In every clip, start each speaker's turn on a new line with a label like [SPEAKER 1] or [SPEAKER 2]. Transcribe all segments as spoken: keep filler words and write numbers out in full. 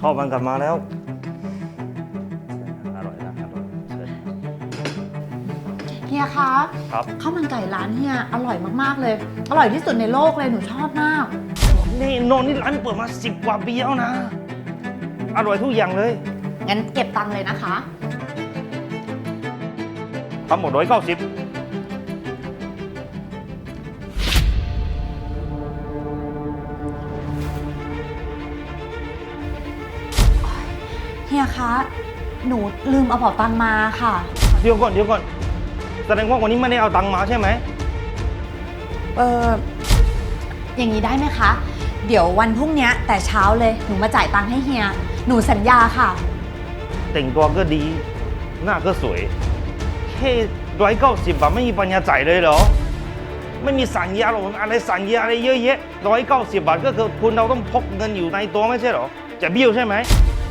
[SPEAKER 1] ข้าวมันกลับมาแล้วอร่อยนะอร่อย
[SPEAKER 2] เฮียคะ
[SPEAKER 1] ครับ
[SPEAKER 2] ข้าวมันไก่ร้านเฮียอร่อยมากๆเลย อร่อยที่สุดในโลกเลยหนูชอบมาก
[SPEAKER 1] นี่โนนนี่ร้านเปิดมาสิบกว่าปีแล้วนะอร่อยทุกอย่างเลย
[SPEAKER 2] งั้นเก็บตังค์เลยนะคะ
[SPEAKER 1] ทั้งหมดร้อยเก้าสิบ
[SPEAKER 2] เฮียคะ หนูลืมเอาเป๋าตังค์มาค่ะ
[SPEAKER 1] เดี๋ยวก่อนเดี๋ยวก่อนแสดงว่าวันนี้ไม่ได้เอาตังค์มาใช่ไหม
[SPEAKER 2] เอออย่างนี้ได้ไหมคะ เดี๋ยววันพรุ่งนี้แต่เช้าเลยหนูมาจ่ายตังค์ให้เฮีย หนูสัญญาค่ะ
[SPEAKER 1] แต่งตัวก็ดีหน้าก็สวยแค่ร้อยเก้าสิบบาทไม่มีปัญญาจ่ายเลยเหรอไม่มีสัญญาหรอกอะไรสัญญาอะไรเยอะแยะร้อยเก้าสิบบาทก็คือคุณเราต้องพกเงินอยู่ในตัวไม่ใช่เหรอจะเบี้ยวใช่ไหม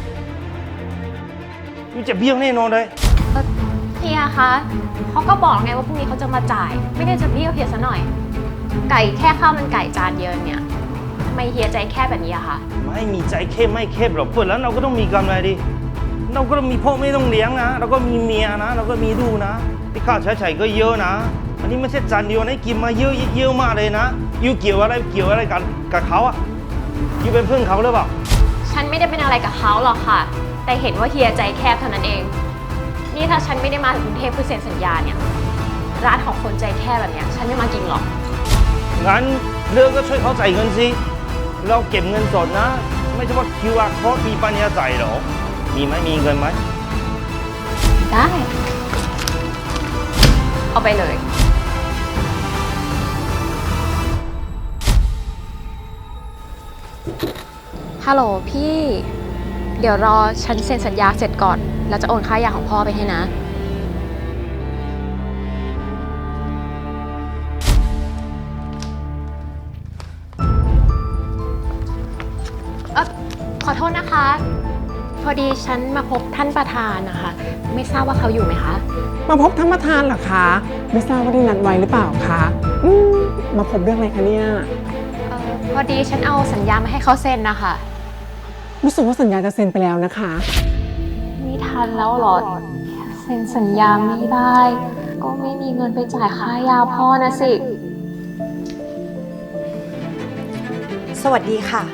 [SPEAKER 1] มันจะเบี้ยวแน่นอนเลย
[SPEAKER 3] เฮียคะเขาก็บอกไงว่าพรุ่งนี้เขาจะมาจ่าย ไม่ได้จะเบี้ยวเฮียซะหน่อย ไก่แค่ข้าวมันไก่จานเดียวเนี่ยทำไมเฮียใจแค่แบบนี้อะคะ
[SPEAKER 1] ไม่มีใจเข้มไม่เข้มหรอกเปิดแล้วเราก็ต้องมีกำไรดิเราก็ต้องมีพ่อไม่ต้องเลี้ยงนะเราก็มีเมียนะเราก็มีลูกนะที่ค่าใช้จ่ายก็เยอะนะอันนี้ไม่ใช่จานเดียวนะกินมาเยอะเยอะมากเลยนะยูเกี่ยวอะไรเกี่ยวอะไรกันกับเขาอะยูเป็นเพื่อนเขาหรือเปล่า
[SPEAKER 3] ฉันไม่ได้เป็นอะไรกับเขาหรอกค่ะ แต่เห็นว่าเฮียใจแคบเท่านั้นเอง นี่ถ้าฉันไม่ได้มาถึงกรุงเทพเพื่อเซ็นสัญญาเนี่ยร้านของคนใจแคบแบบเนี้ยฉันไม่มากินหรอก
[SPEAKER 1] งั้นเรื่องก็ช่วยเขาจ่ายเงินสิเราเก็บเงินสดนะ ไม่ใช่ว่า คิว อาร์ code มีปัญญาจ่ายหรอมีไหมมีเงินไหม
[SPEAKER 3] ได้ เอาไปเลย ฮัลโหลพี่ เดี๋ยวรอฉันเซ็นสัญญาเสร็จก่อน แล้วจะโอนค่ายาของพ่อไปให้นะ เออขอโทษนะคะ พอดีฉันมาพบท่านประธานนะคะ ไม่ทราบว่าเขาอยู่ไหมคะ
[SPEAKER 4] มาพบท่านประธานเหรอคะ ไม่ทราบว่าได้นัดไว้หรือเปล่าคะอืมมาพบเรื่องอะไรคะเนี่ย
[SPEAKER 3] เออพอดีฉันเอาสัญญามาให้เขาเซ็นนะคะ
[SPEAKER 4] รู้สึกว่าสัญญาจะเซ็นไปแล้วนะคะ
[SPEAKER 3] ไม่ทันแล้วเหรอ เซ็นสัญญาไม่ได้ ก็ไม่มีเงินไปจ่ายค่ายาพ่อนะสิ
[SPEAKER 2] สวัสดีค่ะ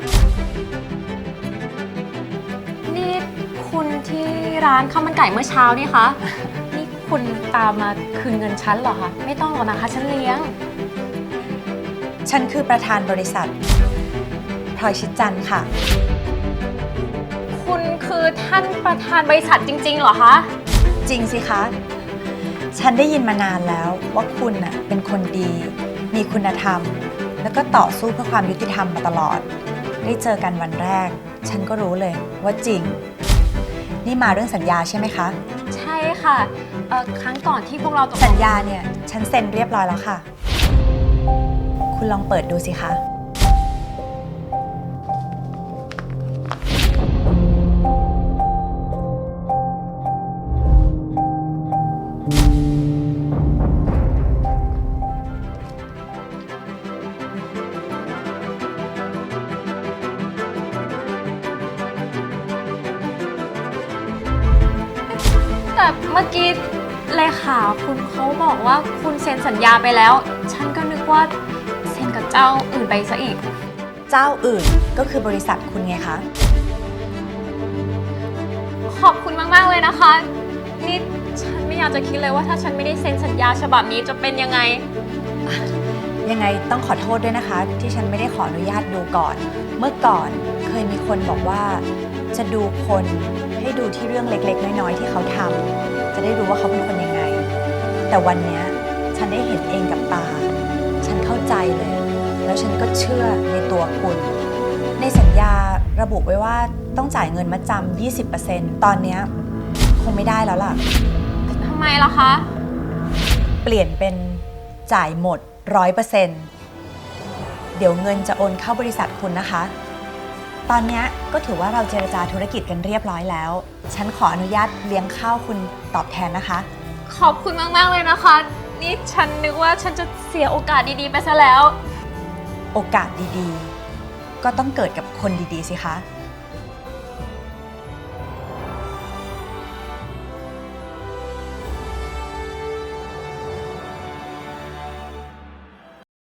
[SPEAKER 3] นี่คุณที่ร้านข้าวมันไก่เมื่อเช้านี่คะ นี่คุณตามมาคืนเงินฉันเหรอคะ ไม่ต้องหรอกนะคะ ฉันเลี้ยง
[SPEAKER 2] ฉันคือประธานบริษัทพลอยชิดจันทร์ค่ะ
[SPEAKER 3] คุณคือท่านประธานบริษัทจริงๆเหรอคะ
[SPEAKER 2] จริงสิคะ ฉันได้ยินมานานแล้วว่าคุณน่ะเป็นคนดี มีคุณธรรม แล้วก็ต่อสู้เพื่อความยุติธรรมมาตลอด ได้เจอกันวันแรก ฉันก็รู้เลยว่าจริง นี่มาเรื่องสัญญาใช่ไหมคะ
[SPEAKER 3] ใช่ค่ะเอ่อครั้งก่อนที่พวกเราตกลง
[SPEAKER 2] สัญญาเนี่ยฉันเซ็นเรียบร้อยแล้วค่ะ คุณลองเปิดดูสิคะ
[SPEAKER 3] แต่เมื่อกี้เลขาคุณเขาบอกว่าคุณเซ็นสัญญาไปแล้ว ฉันก็นึกว่าเซ็นกับเจ้าอื่นไปซะอีก
[SPEAKER 2] เจ้าอื่นก็คือบริษัทคุณไงคะ
[SPEAKER 3] ขอบคุณมาก ๆ เลยนะคะ นี่ฉันไม่อยากจะคิดเลยว่าถ้าฉันไม่ได้เซ็นสัญญาฉบับนี้จะเป็นยังไง
[SPEAKER 2] ยังไงต้องขอโทษด้วยนะคะ ที่ฉันไม่ได้ขออนุญาตดูก่อน เมื่อก่อนเคยมีคนบอกว่า จะดูคนให้ดูที่เรื่องเล็กๆ น้อยๆที่เขาทำจะได้รู้ว่าเขาเป็นคนยังไง แต่วันนี้ฉันได้เห็นเองกับตา ฉันเข้าใจเลย แล้วฉันก็เชื่อในตัวคุณ ในสัญญาระบุไว้ว่าต้องจ่ายเงินมัดจำ ยี่สิบเปอร์เซ็นต์ ตอนนี้คงไม่ได้แล้วล่ะ
[SPEAKER 3] ทำไมล่ะคะ
[SPEAKER 2] เปลี่ยนเป็นจ่ายหมด ร้อยเปอร์เซ็นต์ เดี๋ยวเงินจะโอนเข้าบริษัทคุณนะคะ ตอนนี้ก็ถือว่าเราเจรจาธุรกิจกันเรียบร้อยแล้ว ฉันขออนุญาตเลี้ยงข้าวคุณตอบแทนนะคะ
[SPEAKER 3] ขอบคุณมาก ๆ เลยนะคะ นี่ฉันนึกว่าฉันจะเสียโอกาสดี ๆ ไปซะแล้ว
[SPEAKER 2] โอกาสดีๆ ก็ต้องเกิดกับคนดีๆ สิคะ